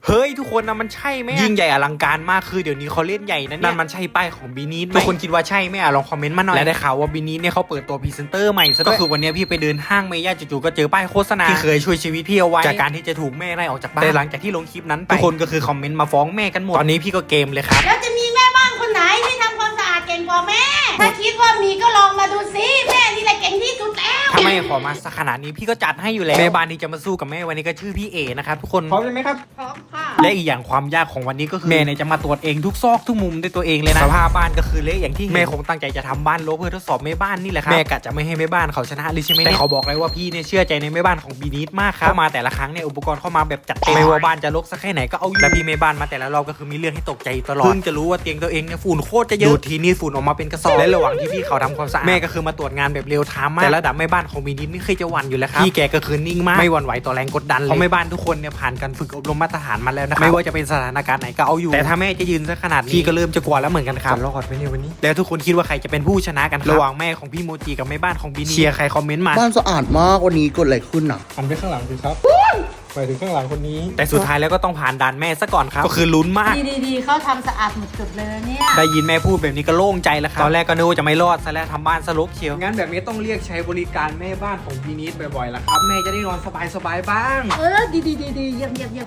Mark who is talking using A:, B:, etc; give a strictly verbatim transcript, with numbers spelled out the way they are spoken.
A: เฮ้ยทุกคนนะมันใช่ไหมยิ่งใหญ่อลังการมากคือเดี๋ยวนี้เขาเล่นใหญ่นะเนี่ยนั่นมันใช่ป้ายของบีนีททุกคนคิดว่าใช่ไหมอ่ะลองคอมเมนต์มาหน่อยและได้ข่าวว่าบีนีทเนี่ยเขาเปิดตัวพรีเซนเตอร์ใหม่ซะด้วยก็คือวันนี้พี่ไปเดินห้างเมย่าจู่ๆก็เจอป้ายโฆษณาที่เคยช่วยชีวิตพี่เอาไว้จากการที่จะถูกแม่ไล่ออกจากบ้านแต่หลังจากที่ลงคลิปนั้นไปทุกคนก็คือคอมเมนต์มาฟ้องแม่กันหมดตอนนี้พี่ก็เกมเลยครับ
B: แล้วจะมีแม่บ้านคนไหนที่ทำความสะอาดเก่งกว่าแม่ถ้าคิดว่ามีก็ลองมาดูซิแม่นี่แหละเก่งที่สุดแล้ว
A: ถ้าแม่ขอมาสักขนาดนี้พี่ก็จัดให้อยู่แล้วแม่บ้านที่จะมาสู้กับแม่วันนี้ก็ชื่อพี่เอนะครับทุกคนพร้อมเลยไหมครับ
B: พร้อมค่ะ
A: และอีกอย่างความยากของวันนี้ก็คือแม่เนี่ยจะมาตรวจเองทุกซอกทุกมุมด้วยตัวเองเลยนะสภาพบ้านก็คือเละอย่างที่แม่คงตั้งใจจะทำบ้านรกเพื่อทดสอบแม่บ้านนี่แหละครับแม่กะจะไม่ให้แม่บ้านเขาชนะเลยใช่ไหมแต่เขาบอกเลยว่าพี่เนี่ยเชื่อใจในแม่บ้านของบีนีทมากครับเข้ามาแต่ละครั้งเนี่ยอุปกรณ์เข้ามาแบบจัดเต็มไม่ว่าบ้านจะรกสักแค่ไหนก็เอาอยู่และพี่แม่บ้านมาแต่ละรอบก็คือมีเรื่องให้ตกใจตลอดเพิ่งจะรู้ว่าเตียงตัวเองเนี่ยฝุ่นโคตรจะเยอะดูทีนี่ฝุ่นออกมาเป็นกระสอบและระหว่างที่พี่เขาทำความสะอาดแม่ก็คือมาตรวจงานแบบเร็วไทม์มากแต่ระดับแม่บ้านของบีนีทนี่เคยจะหวั่นอยู่แล้วครับพี่แกก็คือนิ่งมากไม่หวั่นไหวต่อแรงกดดันเลยเพราะแม่บ้านทุกคนเนี่ยผ่านการฝึกอบรมมาตรฐานมาแล้วนะครับไม่ว่าจะเป็นสถานการณ์ไหนก็เอาอยู่แต่ถ้าแม่จะยืนซะขนาดนี้พี่ก็เริ่มจะกลัวแล้วเหมือนกันครับรอดไปในวันนี้แล้วทุกคนคิดว่าใครจะเป็นผู้ชนะกันระหว่างแม่ของพี่โมจิกับแม่บ้านของบีนีทเชียร์ใครคอมเมนต์มา
C: บ้านสะอาดมากวันนี้เกิดอะไรขึ้นอ่ะ
D: หันไปข้างหลังสิครับไปถึงข้างหลังคนนี้
A: แต่สุดท้ายแล้วก็ต้องผ่านด่านแม่ซะก่อนครับก็คือลุ้นมาก
B: ดีๆเขาทำสะอาดหมดจุดเลยเนี่ย
A: ได้ยินแม่พูดแบบนี้ก็โล่งใจแล้วครับตอนแรกก็นึกว่าจะไม่รอดซะแล้วทำบ้านสลบเชียวงั้นแบบนี้ต้องเรียกใช้บริการแม่บ้านของบีนีทบ่อยๆละครับแม่จะได้นอนสบายๆบ้าง
B: เออดีๆๆๆเยี่ยมๆ